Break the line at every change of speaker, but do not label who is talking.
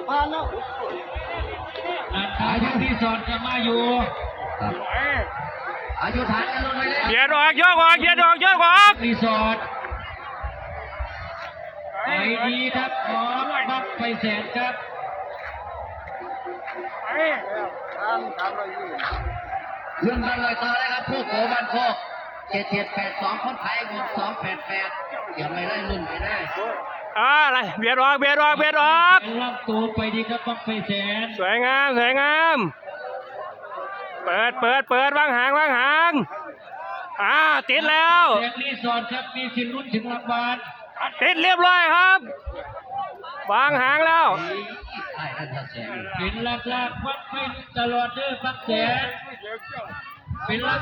ผ่านแล้ว
อายุที่สอนจะมาอยู่อายุฐานกันลงไปเลย
เกียร์ออกยกออกเกียร์ออกยกออก
รีสอร์ทไปดีครับขอบักไปแสนครับเพื่อนกันเลยต่อเลยครับผู้โกบันโคก7782คนไทยบวก288อย่าไม่ได้รุ่นไม่ได้
อะไรเบียดออกเบียดออกเบียดออก
รับตัวไปดีครับบักไปแสน
สวยงามสวยงามเปิดวางหางติดแล้ว
แสงรีสอร์ทครับมีสิทธิ์ลุ้นถึงรางวัล
ติดเรียบร้อยครับวางหางแล้ว
เป็นหลักวัดไปตลอดเด้อบักแสนเป็นหลัก